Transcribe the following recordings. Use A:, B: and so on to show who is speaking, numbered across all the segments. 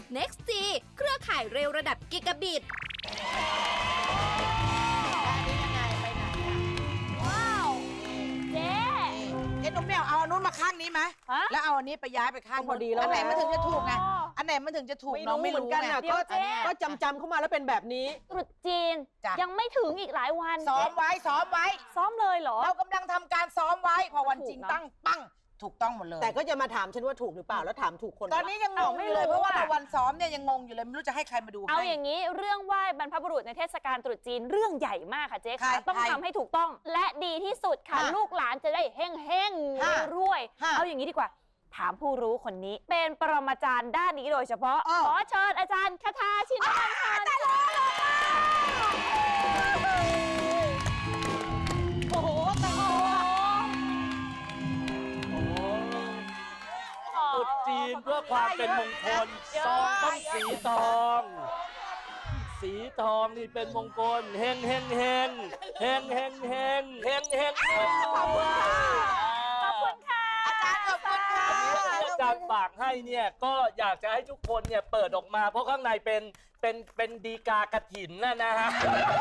A: Next G เครือข่ายเร็วระดับกิกะบิต
B: ว้าวเจ๊
C: หนุ่มแมวเอาอันนู้นมาข้างนี้ไหมแล้วเอาอันนี้ไปย้ายไปข้างพอดีแล้วอันไหนมันถึงจะถูกไงอันไหนมันถึงจะถูกน้องไม่รู้กันนะ
D: ก็จำเข้ามาแล้วเป็นแบบนี้
B: ตรุษจีนยังไม่ถึงอีกหลายวัน
C: ซ้อมไว้ซ้อม
B: เลยเหรอ
C: เรากำลังทำการซ้อมไว้พอวันจริงตั้งปังถูกต้องหมดเลย
D: แต่ก็จะมาถามฉันว่าถูกหรือเปล่าแล้วถามถูกคน
C: ตอนนี้ยังงงอยู่เลยเพราะว่าวันซ้อมเนี่ยยังงงอยู่เลยไม่รู้จะให้ใครมาดู
B: เอาอย่างนี้เรื่องไหว้บรรพบุรุษในเทศกาลตรุษจีนเรื่องใหญ่มากค่ะเจ๊ค่ะต้องทำให้ถูกต้องและดีที่สุดค่ะลูกหลานจะได้เฮ่งรวยเอาอย่างนี้ดีกว่าถามผู้รู้คนนี้เป็นปรมาจารย์ด้านนี้โดยเฉพาะขอเชิญอาจารย์คทาชินวรรณพันธ์
D: โอ้โหแต่ง
E: ตรุษจีนเพื่อความเป็นมงคลซองต้องสีทองสีทองนี่เป็นมงคลเฮงเฮงเฮงเฮงเฮงเฮงเฮงเฮงเฮง
B: ขอบคุณค่ะ
C: อาจารย์ขอบคุณค่ะ
E: ที่อาจารย์ฝากให้เนี่ยก็อยากจะให้ทุกคนเนี่ยเปิดออกมาเพราะข้างในเป็นดีกากระถินนะฮะ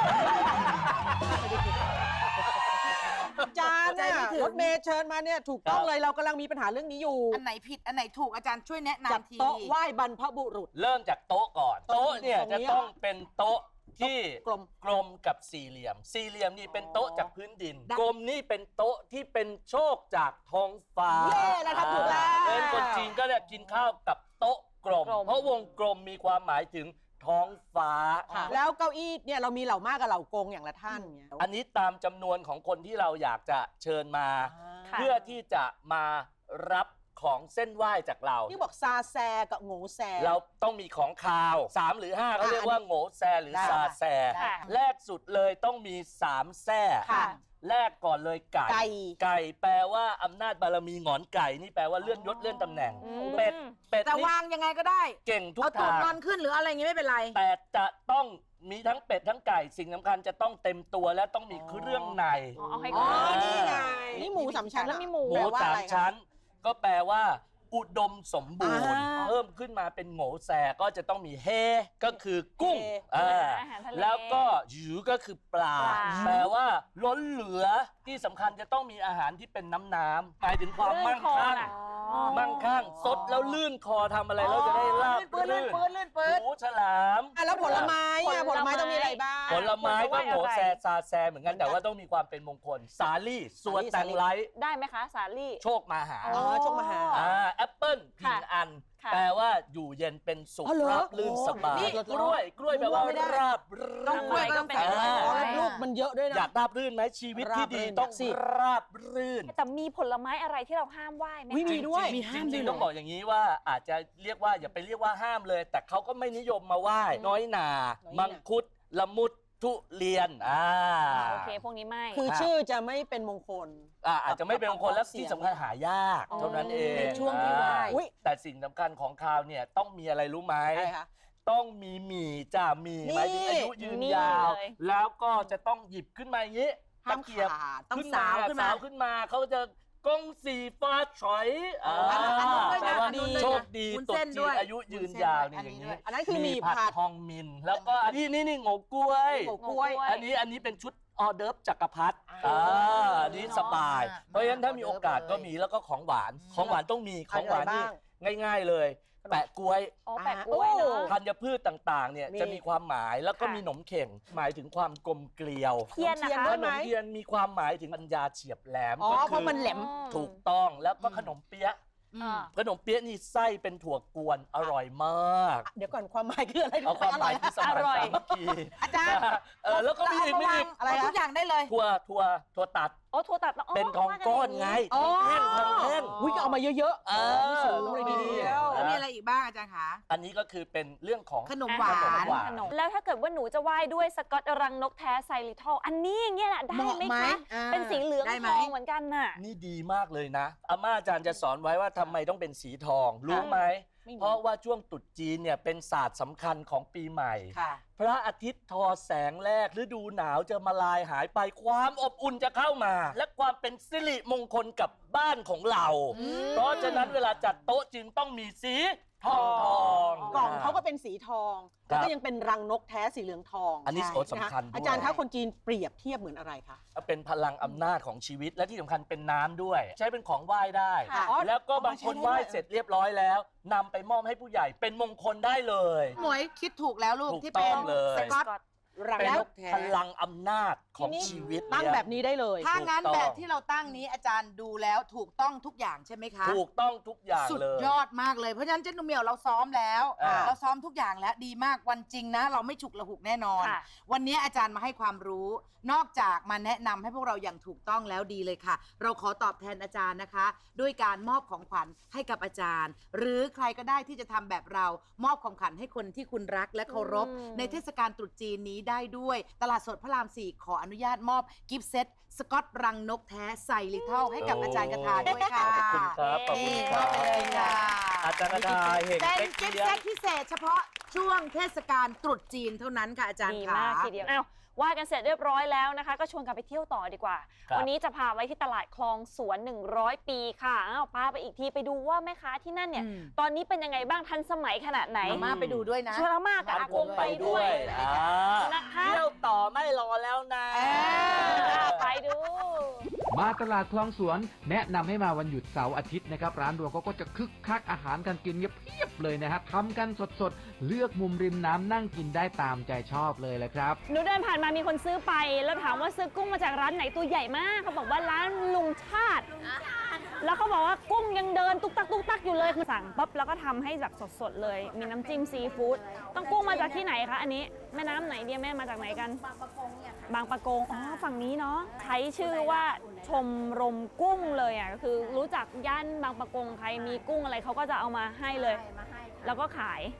D: อาจารย์เนี่ยรถเมย์เชิญมาเนี่ยถูกต้องเลยเรากำลังมีปัญหาเรื่องนี้อยู่
C: อันไหนผิดอันไหนถูกอาจารย์ช่วยแนะนำที
D: โต๊ะไหว้บรรพบุรุษ
E: เริ่มจากโต๊ะก่อนโต๊ะเนี่ยจะต้องเป็นโต๊ะที่กลมกับสี่เหลี่ยมสี่เหลี่ยมนี่เป็นโต๊ะจากพื้นดินกลมนี่เป็นโต๊ะที่เป็นโชคจากท้องฟ้า
D: แล้วทำถูกแล้ว
E: เป็นคนจีนก็เนี่ยกินข้าวกับโต๊ะกลมเพราะวงกลมมีความหมายถึงท้องฟ้า
D: แล้วเก้าอี้เนี่ยเรามีเหล่ามากกับเหล่ากงอย่างละท่านเนี่ย
E: อันนี้ตามจำนวนของคนที่เราอยากจะเชิญมาเพื่อที่จะมารับของเส้นไหว้จากเรา
D: ที่บอกซาแซกับโง่แซ
E: เราต้องมีของคาว3หรือ5เขาเรียกว่าโง่แซหรือซาแซแรกสุดเลยต้องมี3แซ่แรกก่อนเลยไก่แปลว่าอำนาจบารมีหงอนไก่นี่แปลว่าเลื่อนยศเลื่อนตำแหน่งเป็ด
C: แต่วางยังไงก็ได้
E: เก่งทุกทาง
C: เอาตัวนอนขึ้นหรืออะไรอย่างงี้ไม่เป็นไร
E: แต่จะต้องมีทั้งเป็ดทั้งไก่สิ่งสำคัญจะต้องเต็มตัวและต้องมีเครื่องใน
D: นี่ไงนี่หมู3ชั้นแล้วมีหมู
E: 3ชั้นก็แปลว่าอุดมสมบูรณ์เพิ่มขึ้นมาเป็นโง่แซก็จะต้องมีเฮก็คือกุ้งแล้วก็หยูก็คือปลาแปลว่าล้นเหลือที่สำคัญจะต้องมีอาหารที่เป็นน้ำหมายถึงความมั่งคั่งสดแล้วลื่นคอทำอะไรแล้วจะได้ราบลื่นหมูฉลาม
D: แล้วผลไม้ต้องมีอะไรบ้าง
E: ผลไม้ก็โง่แซซาแซเหมือนกันแต่ว่าต้องมีความเป็นมงคลสาลี่ส่วนแตงไล
B: ได้ไหมคะสาลี่
E: โชคมาหา
D: โชคมาหา
E: แอปเปิ้ลพินอันแปลว่าอยู่เย็นเป็นสุขราบลื่นสบายกล้วยแปลว่าราบรื่น
D: ลูกมันเยอะด้วยนะ
E: อยากราบรื่นไหมชีวิตที่ดีต้องราบรื่น
B: แต่มีผลไม้อะไรที่เราห้ามไหว้ไหม
D: มีด้วย
E: จริงๆต้องบอกอย่างนี้ว่าอาจจะเรียกว่าอย่าไปเรียกว่าห้ามเลยแต่เขาก็ไม่นิยมมาไหว้น้อยหนามังคุดละมุดทุเรียน
B: โอเคพวกนี้ไม่
D: คือชื่อจะไม่เป็นมงคล
E: อาจจะไม่เป็นมงคลและที่สำคัญหายากเท่านั้นเอง
C: ในช่วงที่ไหว้
E: แต่สิ่งสำคัญของคราวเนี่ยต้องมีอะไรรู้ไหมต้องมีหมี่จ้าหมี่หมายถึงอายุยืนยาวแล้วก็จะต้องหยิบขึ้นมาอย่างนี้
D: ตะเกียบ
E: ขึ้นมาสาวขึ้นมาเขาจะกงสีฟ้าฉอยแปลว่าโชคดีตกจีนอายุยืนยาวนี่อย่างนี้
D: อันนั้นคือหมี่ผัด
E: ทองมินแล้วก็นี่โง่กล้วยอันนี้เป็นชุดออเดิร์ฟจักรพรรดินี่สบายเพราะฉะนั้นถ้ามีโอกาสก็มีแล้วก็ของหวานต้องมีของหวานนี่ง่ายๆเลยแปะกล้วยธัญพืชต่างๆเนี่ยจะมีความหมายแล้วก็มีขนมเข่งหมายถึงความกลมเกลียว
B: เทียนนะคะ
E: ขนมเทียนมีความหมายถึงปัญญาเฉียบแหลม
D: เพราะมันแหลม
E: ถูกต้องแล้วก็ขนมเปี๊ยะนี่ไส้เป็นถั่วกวนอร่อยมาก
D: เดี๋ยวก่อนความหมายคืออะไร
E: เอาความหมายคือสมัยสามัคคี
C: อาจารย์
E: แล้วก็มีอีก
C: อะไรทุกอย่างได้เลย
E: ถั่วตัด
B: ถั่วตัด
E: เป็นทองก้อนไงทองแท่ง
D: วิ่งเอามาเยอะๆสูงเลยดี
C: แล้วมีอะไรอีกบ้างอาจารย์คะ
E: อันนี้ก็คือเป็นเรื่องของ
C: ขนมหวาน
B: แล้วถ้าเกิดว่าหนูจะไหว้ด้วยสกอตรังนกแท้ไซริทอลอันนี้อย่างเงี้ยได้ไหมคะเป็นสีเหลืองทองเหมือนกันน่ะ
E: นี่ดีมากเลยนะอาม่าอาจารย์จะสอนไว้ว่าทำไมต้องเป็นสีทองรู้ไหมเพราะว่าช่วงตรุษจีนเนี่ยเป็นศาสตร์สำคัญของปีใหม่พระอาทิตย์ทอแสงแรกฤดูหนาวจะมาลายหายไปความอบอุ่นจะเข้ามาและความเป็นสิริมงคลกับบ้านของเราเพราะฉะนั้นเวลาจัดโต๊ะจึงต้องมีสีทอง
D: กล่องเขาก็เป็นสีทอง
E: ครับ
D: แล้วก็ยังเป็นรังนกแท้สีเหลืองทอง
E: อันนี้
D: ใช่
E: โอ้สำคัญ
D: นะะ
E: ด้วย
D: อาจารย์คะคนจีนเปรียบเทียบเหมือนอะไรคะ
E: เป็นพลังอำนาจของชีวิตและที่สำคัญเป็นน้ำด้วย ใช้เป็นของไหว้ได้
C: ค่ะ
E: แล้วก็บางคนไหว้เสร็จเรียบร้อยแล้วนำไปมอบให้ผู้ใหญ่เป็นมงคลได้เลย
C: หมวยคิดถูกแล้วลูก
E: ถูก
C: ที่เป็น
E: ต้องเลย
C: สกอต รัง
E: เป็น
C: นกแท้
E: พลังอำนาจของ
D: ทีนี้
E: ชีวิต
D: ตั้ง
E: เนี่ย
D: แบบนี้ได้เลย
C: ถ้างั้น
E: ถูกต้อง
C: แบบที่เราตั้งนี้อาจารย์ดูแล้วถูกต้องทุกอย่างใช่ไหมคะ
E: ถูกต้องทุกอย่าง
C: สุด
E: เลย
C: ยอดมากเลยเพราะฉะนั้นเจ๊หนุ่มเหมียวเราซ้อมแล้ว
E: อ่า
C: เราซ้อมทุกอย่างแล้วดีมากวันจริงนะ เราไม่ฉุกละหุกแน่นอน
B: ค่ะ
C: วันนี้อาจารย์มาให้ความรู้ นอกจากมาแนะนำให้พวกเราอย่างถูกต้องแล้วดีเลยค่ะ เราขอตอบแทนอาจารย์นะคะ ด้วยการมอบของขวัญให้กับอาจารย์ หรือใครก็ได้ที่จะทำแบบเรามอบของขวัญให้คนที่คุณรักและเคารพ ในเทศกาลตรุษจีนนี้ได้ด้วย ตลาดสดพระราม 4 ขออนุญาตมอบกิฟต์เซตสกอตรังนกแท้ใส่ลิเทิลให้กับอาจารย์กระทาด้วยค่ะ
E: ขอบคุณครับขอบคุ
C: นี่
E: ณค
C: ม
E: รั
C: อบบ ไปเลยค่ะ
E: อาจารย์กระทาเห็น
C: เป็น
E: เป๊ก
C: กิฟต์
E: เลี้ย
C: เซ
E: ง
C: ตพิเศษเฉพาะช่วงเทศกาลตรุษจีนเท่านั้นค่ะอาจารย์
B: ดี
C: ค่ะ
B: มากทีเดียวอ้าวว่ากันเสร็จเรียบร้อยแล้วนะคะ ก็ชวนกันไปเที่ยวต่อดีกว่า
E: ครับ
B: วันนี้จะพาไว้ที่ตลาดคลองสวน 100 ปีค่ะอ้าวพาไปอีกทีไปดูว่าแม่ค้าที่นั่นเนี่ย
C: อืม
B: ตอนนี้เป็นยังไงบ้างทันสมัยขนาดไหน
C: มาม่าไปดูด้วยนะ
B: ชวนอาม่ากับอากงไปด้วย นะคะ
E: เที่ยวต่อไม่รอแล้วนะ
B: ไปดู
F: มาตลาดคลองสวนแนะนำให้มาวันหยุดเสาร์อาทิตย์นะครับร้านรวงเขาก็จะคึกคักอาหารการกินเพียบเลยนะครับทำกันสดๆเลือกมุมริมน้ำนั่งกินได้ตามใจชอบเลยแหละครับ
B: หนูเดินผ่านมามีคนซื้อไป แล้วถามว่าซื้อกุ้งมาจากร้านไหนตัวใหญ่มากเขาบอกว่าร้านลุงชาติ แล้วเขาบอกว่ากุ้งยังเดินตุ๊กตักตุ๊กตักอยู่เลยคือสั่งปั๊บแล้วก็ทำให้แบบสดๆเลย มีน้ำจิ้มซีฟู้ดต้องกุ้งมาจากที่ไหนคะอันนี้แม่น้ำไหนเดียแม่มาจากไหนกัน บางปะกงเนี่ยบางปะกงอ๋อฝั่งนี้เนาะใช้ชื่อว่าชมรมกุ้งเลยอ่ะก็คือรู้จักย่านบางปะกงใครมีกุ้งอะไรเขาก็จะเอามาให้เลย แล้วก็ขาย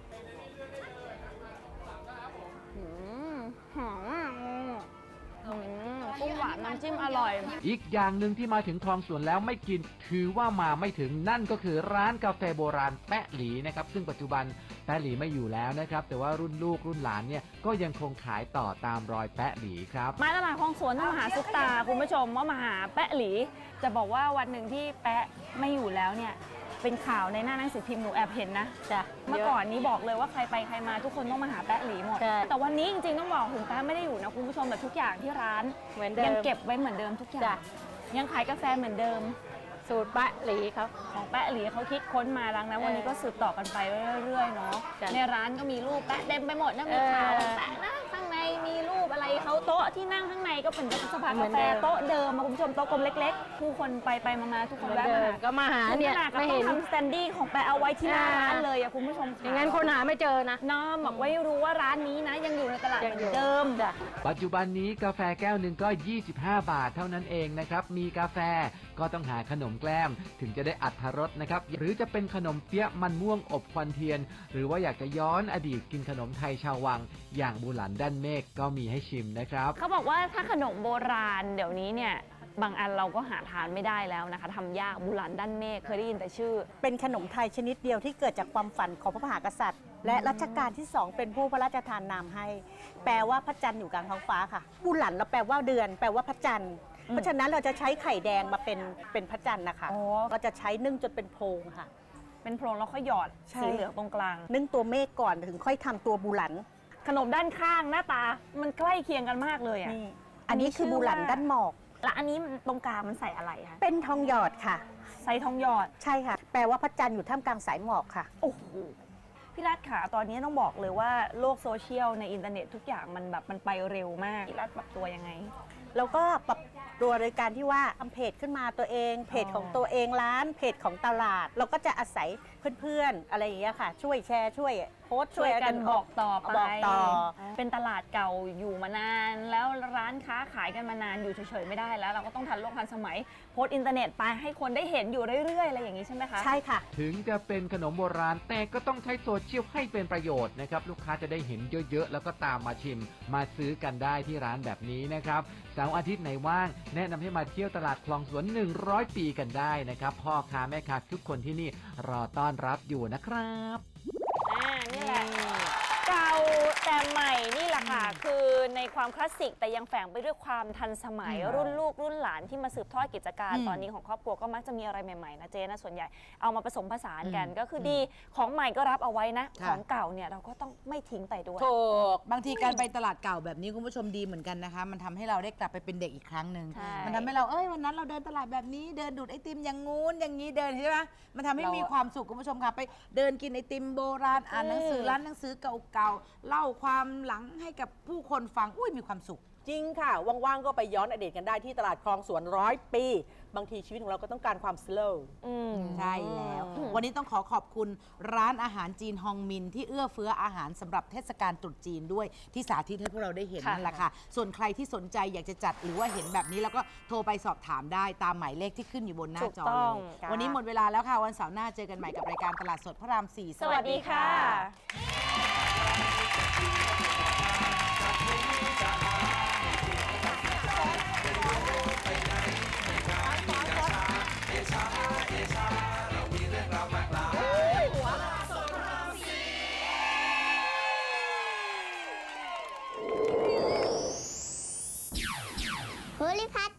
B: กุ้งหวานน้ำจิ้มอร่อย
F: อีกอย่างหนึ่งที่มาถึงคลองสวนแล้วไม่กินถือว่ามาไม่ถึงนั่นก็คือร้านกาแฟโบราณแปะหลีนะครับซึ่งปัจจุบันแปะหลีไม่อยู่แล้วนะครับแต่ว่ารุ่นลูกรุ่นหลานเนี่ยก็ยังคงขายต่อตามรอยแปะหลีครับ
B: มาตลาดคลองสวนต้องมาหาซุปตาคุณผู้ชมว่ามาหาแปะหลี จะบอกว่าวันหนึ่งที่แปะไม่อยู่แล้วเนี่ยเป็นข่าวในหน้าหนังสือพิมพ์หนูแอบเห็นนะ
G: จ้ะ
B: เมื่อก่อนนี้บอกเลยว่าใครไปใครมาทุกคนต้องมาหาแปะหลีหมด
G: ใช่
B: แต่วันนี้จริงๆต้องบอกถึงแปะไม่ได้อยู่นะคุณผู้ชมแต่ทุกอย่างที่ร้าน
G: เหมือนเดิม
B: ยังเก็บไว้เหมือนเดิมทุกอย่า
G: จ้ะ
B: งยังขายกาแฟเหมือนเดิม
G: สูตรปะหลีเขา
B: ของแปะหลีเขาคิดค้นมาดังนั้นวันนี้ก็สืบต่อกันไปเรื่อยๆเนาะ
G: จ้ะ
B: ในร้านก็มีรูปแปะเต็มไปหมดนะมีข่าวแปะนะข้างในมีรูปอะไรเขาโต๊ะที่นั่งข้างในก็เป็นสภากาแฟโต๊ะเดิมมาคุณผู้ชมโต๊ะกลมเล็กๆ ผู้คนไปมาทุกคน
G: เหมือน
B: แวะ
G: เดิ
B: มาม หา
G: ก็มาหาเนี่ย
B: ขนาดกับ
G: ไม่
B: ต้อ
G: เห็
B: ง
G: น
B: ทำสแตนดี้ของแปะเอาไว้ที่หน้าร้านเลยอะคุณผู้ชมค่ะ
G: อย่างนั้นคนหาไม่เจอนะ
B: น้อมบอกไว้รู้ว่าร้านนี้นะยังอยู่ในตลาดเห
G: ยัง
B: มื
G: อ
B: อยู่ นเดิม
G: จ้ะ
F: ปัจจุบันนี้กาแฟแก้วหนึ่งก็ 25 บาทเท่านั้นเองนะครับมีกาแฟก็ต้องหาขนมแกล้มถึงจะได้อรรถรสนะครับหรือจะเป็นขนมเปี๊ยะมันม่วงอบควันเทียน หรือว่าอยากจะย้อนอดีตกินขนมไทยชาววัง อย่างบูหลันด้านเมฆก็มีให้ชิมนะครับ
B: เขาบอกว่าถ้าขนมโบราณเดี๋ยวนี้เนี่ยบางอันเราก็หาทานไม่ได้แล้วนะคะทำยากบุหลันด้านเมฆเคยได้ยินแต่ชื่อ
H: เป็นขนมไทยชนิดเดียวที่เกิดจากความฝันของพระมหากษัตริย์ และรัชกาลที่ 2 เป็นผู้พระราชทานนามให้ แปลว่าพระจันทร์อยู่กลางท้องฟ้าค่ะบุหลันเราแปลว่าเดือน แปลว่าพระจันทร์เพราะฉะนั้นเราจะใช้ไข่แดงมาเป็นพระจันทร์นะคะ
B: อ๋อ
H: เราจะใช้นึ่งจนเป็นโพรงค่ะ
B: เป็นโพรงแล้วค่อยหยอด
H: ใช่
B: สีเหลืองตรงกลาง
H: นึ่งตัวเมฆก่อนถึงค่อยทำตัวบุหลัน
B: ขนมด้านข้างหน้าตา มันใกล้เคียงกันมากเลยอ่ะ
H: นี่อันนี้คือบุหลันด้านหมอก
B: และอันนี้มันตรงกลางมันใส่อะไรคะ
H: เป็นทองหยอดค่ะ
B: ใส่ทองหยอด
H: ใช่ค่ะ แปลว่าพระจันทร์อยู่ท่ามกลางสายหมอกค่ะ
B: โอ้โหพี่รัฐขาตอนนี้ต้องบอกเลยว่าโลกโซเชียลในอินเทอร์เน็ตทุกอย่างมันแบบมันไปเร็วมากพี่รัฐปรับตัวยังไง
H: แล้วก็ปรับตัวโดยการที่ว่าทำเพจขึ้นมาตัวเองเพจของตัวเองร้านเพจของตลาด เราก็จะอาศัยเพื่อนๆอะไรอย่างเงี้ยค่ะ ช่วยแชร์ช่วยโพสต์
B: ช่วยกันบอกต่อไป
H: บอกต่อ
B: เป็นตลาดเก่าอยู่มานาน แล้วร้านค้าขายกันมานานอยู่เฉยๆไม่ได้แล้ว เราก็ต้องทันโลกทันสมัยโพสต์อินเทอร์เน็ตไปให้คนได้เห็นอยู่เรื่อยๆอะไรอย่างนี้ใช่ไหมคะ
H: ใช่ค่ะ
F: ถึงจะเป็นขนมโบราณแต่ก็ต้องใช้โซเชียลให้เป็นประโยชน์นะครับลูกค้าจะได้เห็นเยอะๆ แล้วก็ตามมาชิม มาซื้อกันได้ที่ร้านแบบนี้นะครับเสาร์อาทิตย์ไหนว่างแนะนำให้มาเที่ยวตลาดคลองสวน 100 ปีกันได้นะครับพ่อค้าแม่ค้าทุกคนที่นี่รอต้อนรับอยู่นะครับ
B: นี่แหละเก่าแต่ใหม่นี่แหละค่ะ คือในความคลาสสิกแต่ยังแฝงไปด้วยความทันสมัยรุ่นลูกรุ่นหลานที่มาสืบทอดกิจการตอนนี้ของครอบครัวก็มักจะมีอะไรใหม่ๆนะเจ๊นะส่วนใหญ่เอามาผสมผสานกันก็คือดีของใหม่ก็รับเอาไว้นะของเก่าเนี่ยเราก็ต้องไม่ทิ้งไปด้วย
C: ถูกบางทีการไปตลาดเก่าแบบนี้คุณผู้ชมดีเหมือนกันนะคะ มันทำให้เราได้กลับไปเป็นเด็กอีกครั้งหนึ่ง
B: ใช่
C: มันทำให้เราวันนั้นเราเดินตลาดแบบนี้เดินดูดไอติมอย่างงู้นอย่างนี้เดินใช่ไหมมันทำให้มีความสุขคุณผู้ชมค่ะไปเดินกินไอติมโบราณอ่านหนังสือร้านหนังสือเก่าๆเล่าความหลังให้กับผู้คนฟังมีความสุข
D: จริงค่ะ ว่างๆ ก็ไปย้อนอดีตกันได้ที่ตลาดคลองสวน100 ปี บางทีชีวิตของเราก็ต้องการความสโลว์
C: ใช่แล้ว วันนี้ต้องขอบคุณร้านอาหารจีนฮองมินที่เอื้อเฟื้ออาหารสำหรับเทศกาลตรุษจีนด้วยที่สาธิตให้พวกเราได้เห็น
B: ค่ะ
C: นั่นแหละค่ะ ส่วนใครที่สนใจอยากจะจัดหรือว่าเห็นแบบนี้แล้วก็โทรไปสอบถามได้ตามหมายเลขที่ขึ้นอยู่บนหน้าจอ
B: ถูกต้
C: เล
B: อง
C: ย วันนี้หมดเวลาแล้วค่ะ วันเสาร์หน้าเจอกันใหม่กับรายการตลาดสดพระราม 4
B: สวัสดีค่ะ
I: ภูริพัฒน์